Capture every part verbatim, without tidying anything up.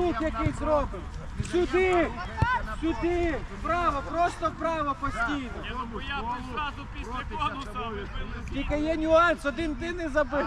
рух який зробимо. Сюди, сюди, вправо, просто вправо постійно. Я б зразу після конуса вибили. Тільки є нюанс, один ти не забив.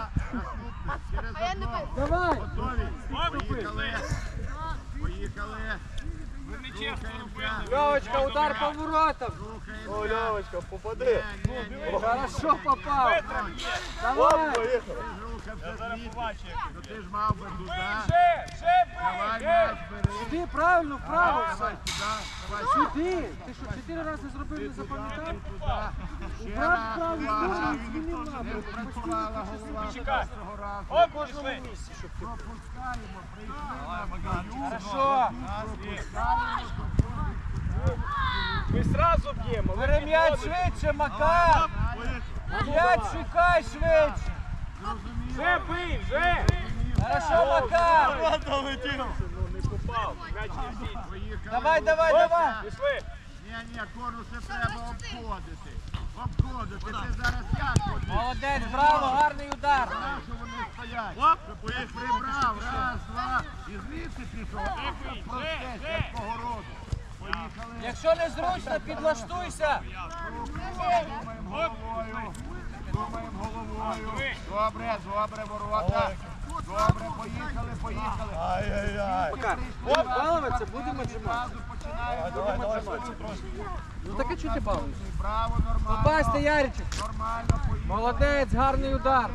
Давай. Поїхали. Поїхали. Ви не чесно робили. Льовочка, удар по воротам. О, Льовочка, попади. Хорошо попав. Давай. Я зараз побачу. Ти ж мав би туди. Вже, вже Давай, бий, м'яч вже. бери. Сюди, правильно, вправо. Давай сюди. Давай Сюди. Ти що, чотири рази зробив, не запам'ятав? туди. Ще Брат раз. правий Увага. сторону змінив напрямок. Не спрацювала голова. Почекай. Першого разу. Оп, пішли. Пропускаємо. Прийшли на бою. Хорошо. Ми зразу б'ємо. Бери м'яч швидше, Макар. М'яч шукай швидше. Вже бий, вже. Хорошо, Макар. Не попав. М'яч не бій. Давай, давай, давай. Пішли. Ні, ні, конуси треба обходити. Обходити. Ти зараз як ходиш? Молодець, браво, гарний удар. Знаєш, що вони стоять. Ти прибрав. Раз, два. І звідси пішов. Це простець, якого роду. Поїхали. Якщо не зручно, підлаштуйся. Думаємо головою. Думаємо головою. Добре, добре, ворота. Добре, поїхали, поїхали. Ай-яй-яй. Оп, балуватися, будемо джимати. Зразу починаємо. Давай, давай, швидше трошки. Ну так а чого ти балуєшся? Браво, нормально. Попасти, Яричок. Нормально, поїхали. Молодець, гарний удар.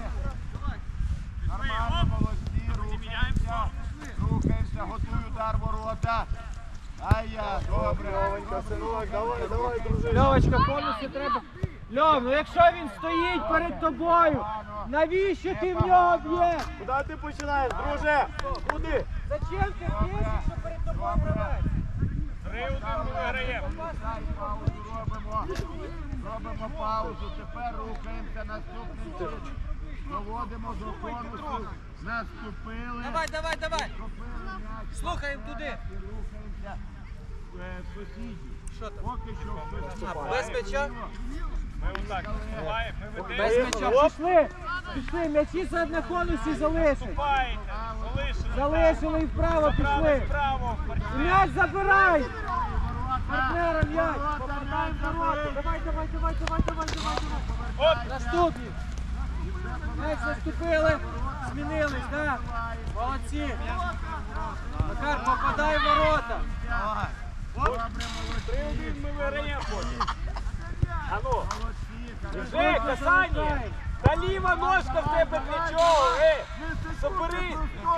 Нормально, молодці, рухаємося. Рухаємося, готуй удар ворота. Ай-я, добре. Льовенька, синок, давай, давай, дружи. Льовочка, конуси треба. Льов, ну якщо він стоїть перед тобою, навіщо ти в нього б'єш? Куди ти починаєш, друже? Куди? Зачем ти б'єш, якщо перед тобою гравець? Три-один ми виграємо. Дай паузу робимо. Робимо паузу. Тепер рухаємося наступним чином. Доводимо до конусу. Наступили. Давай, давай, давай. Наступили м'яч. Слухаємо туди. І рухаємося е, в сусіді. Що там? Поки що в сусіді. Без м'яча? Ми отак наступаємо, ми Без ведемо. м'яча. Пішли. Пішли, м'ячі за- на конусі залишить. Наступаєте. Залишили. Залишили і вправо Забрали пішли. вправо. І м'яч забирай. Ворота. Партнера м'яч. Ворота, Повертаємо м'яч ворота. забив. Давай, давай, давай, давай, давай, давай, давай. Оп. Наступні. М'яч заступили. Змінились, так? Молодці. Макар, попадай в ворота. Добре, молодці. Три-один ми виграємо потім. Ану. Молодці. Вже, касання. Та ліва ножка в тебе для чого? Е, соберись.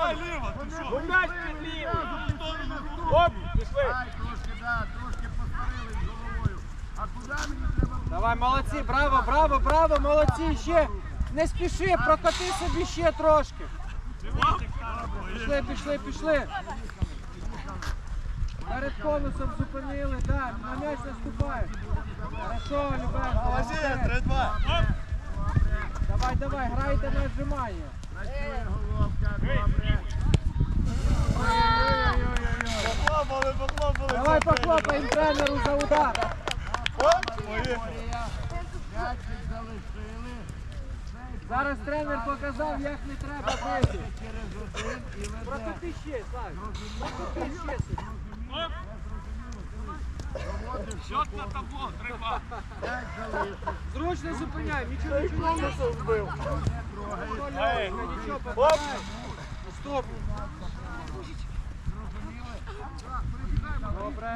Ну м'яч під лівий. Оп, пішли. Ай, трошки, да, трошки посварились головою. А куди мені треба було? Давай, молодці, браво, браво, браво, молодці, ще. Не спіши, прокати собі ще трошки. Пішли, пішли, пішли. Перед конусом зупинили, так, на м'яч наступає. Хорошо, Любенко. три-два. Давай, давай, грайте на отжимання. Працює головка, добре. Похлопали, похлопали. Давай похлопаємо тренеру за удар. М'ячик залишили. Зараз тренер показав, як не треба бити. Через один і веде. Прокати ще, Слав. Прокати ще. собі. Оп. Проводиш Счет на табло, треба. п'ять залишив. Зручно зупиняй, нічого, нічого, нічого. Конусом збив. Ей. Нічого, попадай. Стоп. Добре.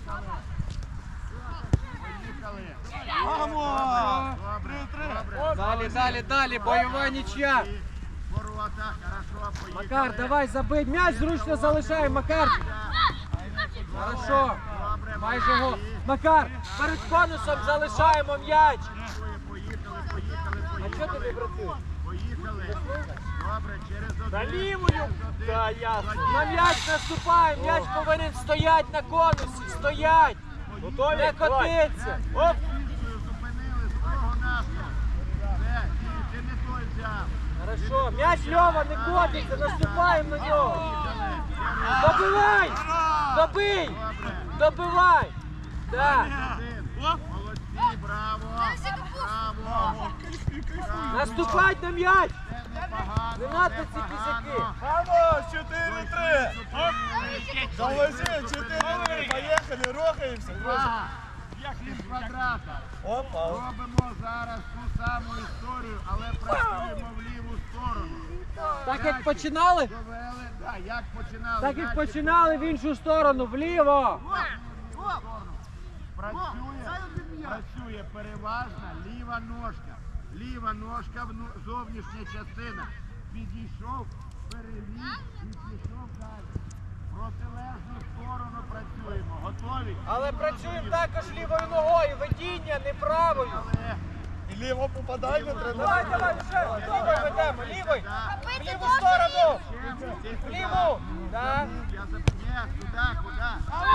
Поїхали. Мамо! Добре, Три-три. добре. Далі, далі, далі, бойова нічия. Ворота, хорошо, поїхали. Макар, давай забий. М'яч зручно залишай, Макар. Хорошо. Добре, Майже гол. Макар, перед конусом залишаємо м'яч. поїхали, поїхали, А поїхали. чого ти не працюєш? Поїхали. Добре, через один. На лівою. Та ясно. На м'яч наступає, м'яч повинен стоять на конусі, стоять. Готові? Не Давай. котиться. Оп. Зупинили з того нашого. Все, ні, ти не той взяв. Хорошо, м'яч Льова не котиться, наступаємо на нього. Добивай! Добий! Добивай! Да. Один. Молодці, браво. Браво. Наступать на м'яч! Це непогано, Не надо ці непогано. кізяки. Мамо, чотири-три. Зупинились. Молодці, чотири, поїхали, рухаємося, друзі. Увага! Пів квадрата. Опа. Робимо зараз ту саму історію, але працюємо в ліву сторону. Так як починали, Довели, да, як починали. так як Наші починали в іншу сторону, вліво. Працює, працює переважна ліва ножка. Ліва ножка, вну- зовнішня частина. Підійшов, переліз і пішов далі. В протилежну сторону працюємо. Готові? Але працюємо також лівою ногою, ведіння не правою. Але І ліво попадання Давай, треба. давай, вже, лівою ведемо, лівою. так, В ліву сторону. ще В ліву. Так. Я запитаю, куди, куди?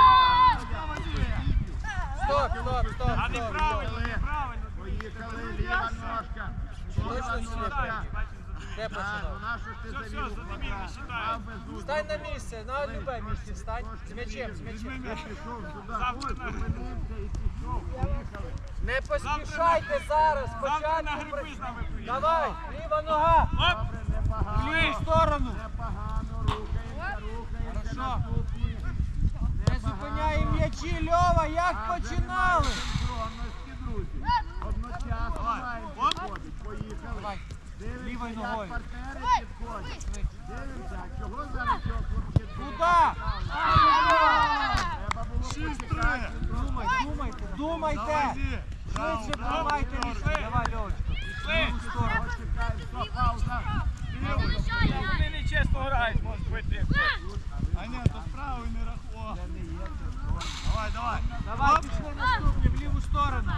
Стоп, стоп, стоп, А стоп. неправильно, стоп. неправильно. Поїхали, ліва ножка. Ліва Точно ножка. Де Так, починав? ну нащо ж ти Все, завів все, у задимів, квадрат? не считай. Мав би зустріч. Стань на місце, на любе місце стань. З м'ячем, з м'ячем. Я пішов сюди, Завтра ось, на- зупинився і пішов. Поїхали. Не поспішайте зараз, Завтра на спочатку. гриби при- з нами поїдемо. Давай, ліва нога. Оп! Добре, В непогано. ліву сторону. Непогано, рухаємося, рухаємося. Хорошо. Наступні. Не зупиняємо м'ячі, Льова, як починали. Синхронності, друзі. Одночасно маємо підходить. Поїхали. Давай. Дивимося, Лівою як ногою. партнери підходять. Дивимося, чого зараз цього хлопчика? Куда? Треба було почекати. Думай, думайте, думайте. Швидше приймайте рішення. Давай, Льовочка. В ліву сторону. Почекаємо, стоп, пауза. Вони нечесно грають, можуть бити. А ні, то справа не рахував. Давай, давай. Давай, пішли наступні, в ліву сторону.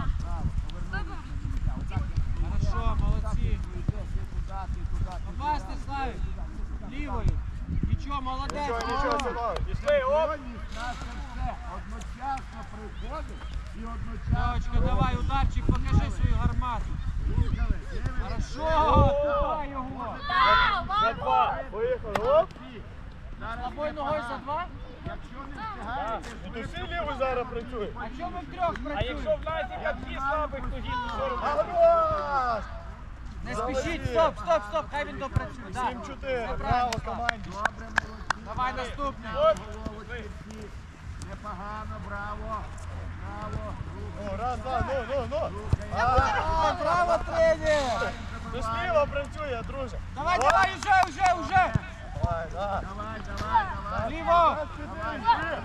Хорошо, молодці. Попасти, Славік. Лівою. Нічого, молодець. Нічого, нічого, О. синок. Пішли, оп! Сьогодні наше все одночасно приходить і одночасно. Льовочка, давай, ударчик, покажи свою гармату. Поїхали. Дивимося. Хорошо, давай його. За два. Поїхали. Оп. Зараз Тобою ногою за два? Якщо не встигаєте, І то всі лівий зараз працює. А чому ми втрьох А якщо працюємо? в нас є такі слабих, то гідно що робити? Гармаш! Не спішіть, стоп, стоп, стоп, хай він допрацює. Да. сім чотири. Все Браво правильно, Слав. команді. добре, молодці. Давай наступний. Головочки всі. Непогано, браво. Браво. Ну, раз, два, ну, ну, ну. А, браво, тренер! Ти сліва працює, друже. Давай, давай, уже, уже, уже! Давай, давай. Давай, давай, давай. Ліво! Давай,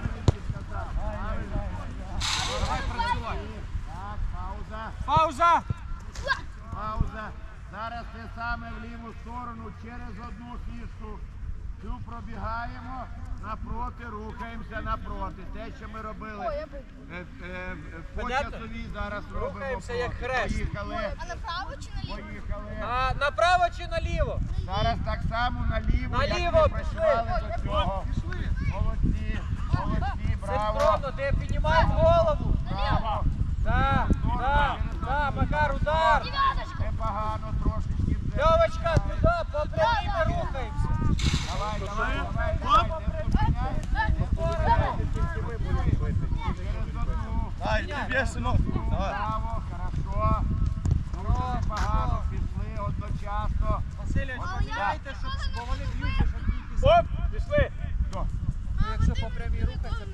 Давай, працювай. Так, пауза. Пауза! Пауза. Зараз те саме в ліву сторону через одну фішку. Цю пробігаємо, напроти, рухаємося напроти. Те, що ми робили е, е, е, по Понятно? часовій, зараз робимо. Рухаємося проти. як хрест. Поїхали, А направо чи наліво? поїхали. А, направо чи наліво? Зараз так само наліво, як Наліво, ми пішли. працювали до цього. Молодці, молодці, браво. Синхронно, де піднімаємо голову. Браво. Да, да, да, Макар, удар. Непогано трошечки. вже. Льовочка, туди, по прямій ми рухаємося. Давай, давай, давай, давай, не зупиняйся, не зупиняйся. Через одну. Дай, тобі, синок. Давай. Браво, хорошо. Дуже непогано пішли одночасно. Васильович, поміняйте, щоб, бо вони б'ють, щоб тільки... Оп! Пішли! Що? Ну, якщо по прямій рухатися,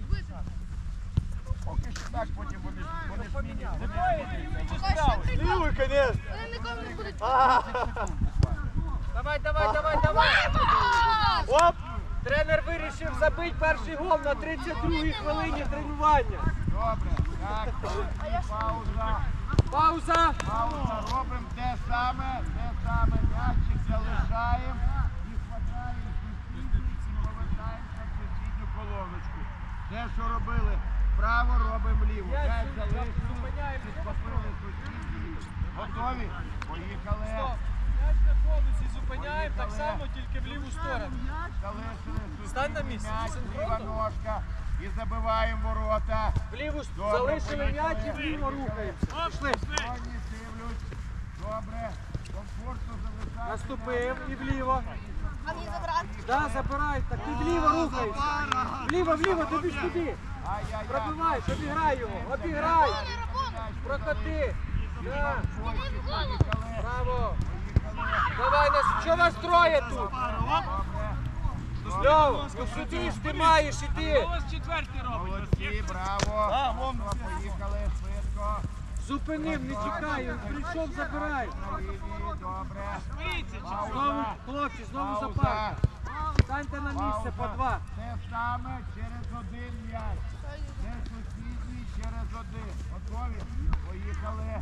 Поки що так, потім вони, вони поміняли. Лівий чи правий? Лівий, звісно. Вони нікому не будуть. Давай, давай, давай, давай. Оп. Тренер вирішив забити перший гол на тридцять другій хвилині тренування. Добре, так, пауза. Пауза. Пауза, робимо те саме, те саме, м'ячик залишаємо і хватаємо сусідню і повертаємося в сусідню колоночку. Те, що робили вправо, робимо вліво. Я М'яч зу- залишили, зупиняємо. підхопили сусідню. Готові? Поїхали. Стоп. М'яч на конусі зупиняємо так само, тільки в ліву сторону. Залишили сусідню Стань на місце, м'яч, синхронно. ліва ножка і забиваємо ворота. В ліву с- Добре, залишили м'яч і поїхали. вліво рухаємося. Пішли. Сьогодні дивлюсь. Добре, комфортно залишаємо. Наступив і вліво. А мені забрати? Да, забирають, так і вліво рухаємося. Вліво, вліво, тобі ж туди. Ай-яй-яй. Пробивай, обіграй його, обіграй. Прокоти. Да. Браво. Давай, нас, що вас троє тут? Добре. Льова, ну сюди ж ти маєш іти. Ось четвертий робить. Молодці, браво. А, вон. Поїхали швидко. Зупинив, не чекай, він прийшов, забирай. На лінії, добре. Швидше, Знову, хлопці, знову за пару. Станьте на місце по два. Те саме через один м'яч. Це сусідній через один. Готові? Поїхали.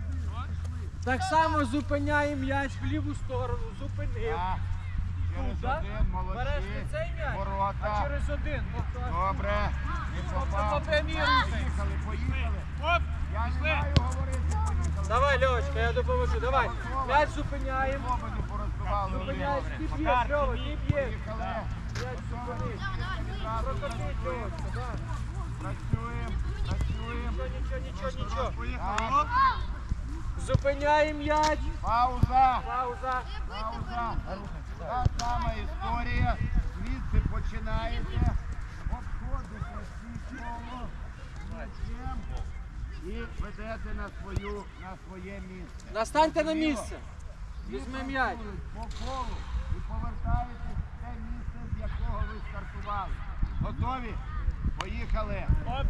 Так само зупиняє м'яч в ліву сторону. Зупинив. Так. Через Так? один, Береш не молодці. цей м'яч, а Ворота. через один. Добре. Не попав. по прямій рухай. Поїхали, поїхали. Оп, Я не пішли. маю говорити, поїхали. Давай, Льовочка, я допоможу. Давай. М'яч зупиняємо. Оба не порозбивали. Зупиняєш, один. ти б'єш, Льова, ти б'єш. Поїхали. М'яч зупинив. Відразу Прокотить, працюємо. Льовочка, так. Працюємо, працюємо. Нічого, нічого, нічого. Поїхали. Так. Оп. Зупиняємо м'яч. Пауза. Пауза. Пауза. Та сама історія. Звідси починаєте. Обходите всі коло. М'ячем. І ведете на, свою, на своє місце. Настаньте на місце. Візьми м'яч. По колу. І повертаєтесь в те місце, з якого ви стартували. Готові? Поїхали. Оп,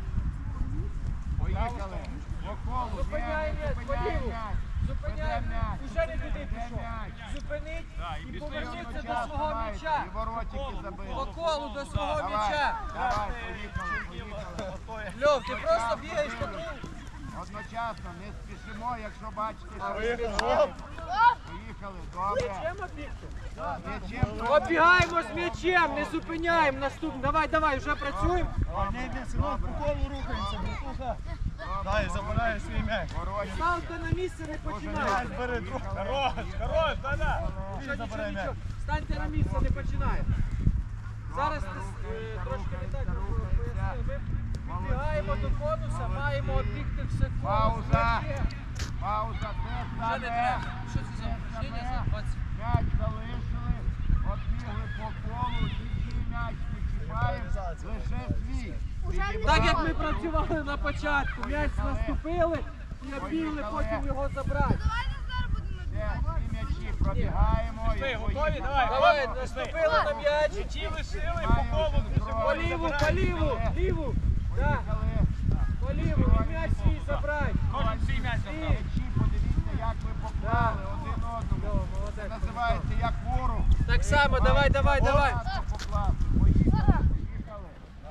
Поїхали. По колу. Зупиняє Ні, м'яч, зупиняє поліву. м'яч. Зупиняє Веде м'яч. Уже не туди Веде пішов. м'яч. Зупинить і І повернеться до одночасно свого маєте, м'яча. І воротики забили. По колу до свого Давай, м'яча. давай, поїхали, поїхали. Льов, ти просто бігаєш по кругу. Одночасно, не спішимо, якщо бачите, А що ви ви спішите? Поїхали, добре. Чим обігти? М'ячем Обігаємо з м'ячем, не зупиняємо. Наступний. Давай, давай, вже працюємо. Не, не, синок, по колу рухаємося, братуха. Дай, забирає свій м'яч. воротики. Ставте на місце, не починайте. М'яч бери, трохи. хорош, хорош, да-да. Нічого, нічого, забирай м'яч. нічого. Станьте на місце, не починаємо. Зараз ти, е, трошки не так пояснив. Ми підбігаємо до конуса, маємо обігти все конус. Пауза. М'ячем. Пауза, те Вже не саме. треба. Що це за упражнення за двадцять? М'яч залишили, оббігли по колу, нічий м'яч не чіпаємо, лише свій. Підібрали. Так як ми працювали на початку, м'яч наступили і обігли, потім його забрати. Давайте зараз будемо Все, всі м'ячі пробігаємо. Пішли, і готові? поїхали. Давай, Давай, оп, пішли. наступили на м'яч. М'ячі лишили, по колу біжимо. По ліву, по ліву, ліву. Так, Поїхали. по ліву, і м'яч свій забрати. Кожен свій м'яч забрав. М'ячі, подивіться, як ви поклали один одному. Це називається як ворог. Так само, давай, давай, давай. Акуратно покласти. Поїхали, поїхали.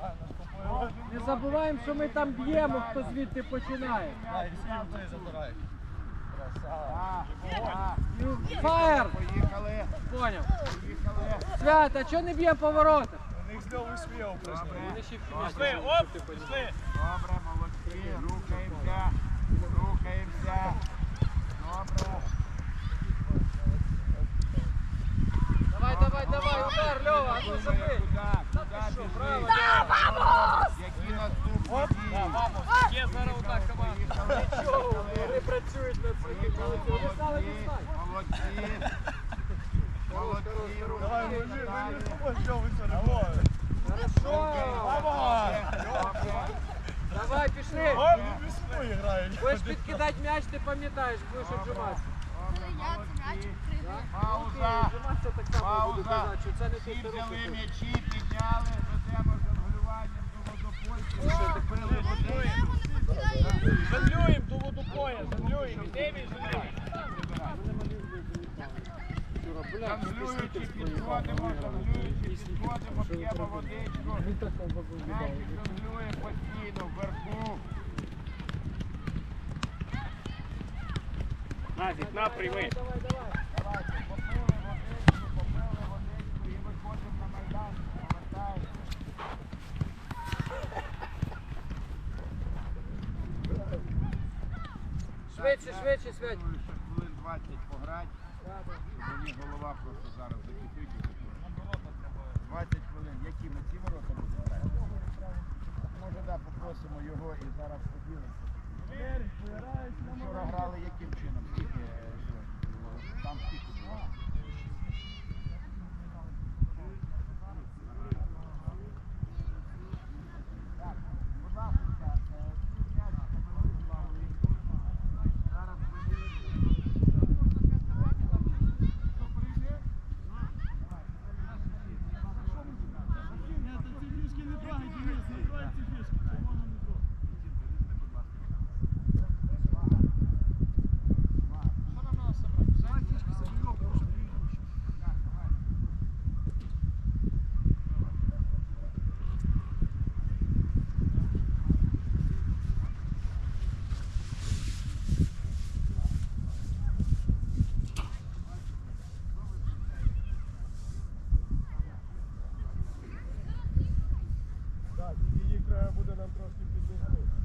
Не забуваємо, що ми там б'ємо, хто звідти починає. Дай, всі той забирай. Так, так. Фаєр! Поїхали, Поняв. поїхали. Свят, а чого не б'є по воротах? У них знову свій упражнення. Вони ще в Пішли, оп, пішли. Добре, молодці, рухаємося, рухаємося. Добре. Давай, давай, давай, удар, Льова, а ну забий. Куди, куди що, право, біжи? Які наступні дії? Є зараз одна команда. Поїхали, Чого? поїхали. Вони працюють над своїм Поїхали, Вони стали молодці, дістати. молодці. Молодці, Давай, ми рухаємося ми далі. ось що ви все робите. Хорошо. Давай. Добре. Давай, пішли. Вони весною грають. Будеш підкидати м'яч, ти пам'ятаєш, будеш обжиматися. я це м'яч пригаю. Пауза. Обжиматися так само буду Пауза. казати, що це не Всі тут взяли руки. м'ячі, підняли, ведемо жонглюванням до водопойки. Закрили водичку. Жонглюємо до водопоя, жонглюємо. Ідемо і жонглюємо. Жонглюючи підходимо, жонглюючи підходимо, п'ємо водичку. М'ячик жонглює постійно вверху. Назік, на, прийми. Давай, давай. Давайте, попили водичку, попили водичку і виходимо на майдан. Повертаємося. Швидше, швидше, Свять. Думаю, що хвилин двадцять пограти. Мені голова просто зараз закипить. двадцять хвилин. Які ми ці ворота будемо грати? Може, да, попросимо його і зараз поділимося. Вчора грали яким чином? Скільки? е, Там скільки було? Так, будь ласка, е, ці м'ячики ми вислали. Зараз поділимося. Хто прийде? Давай. треба буде нам трошки піднести.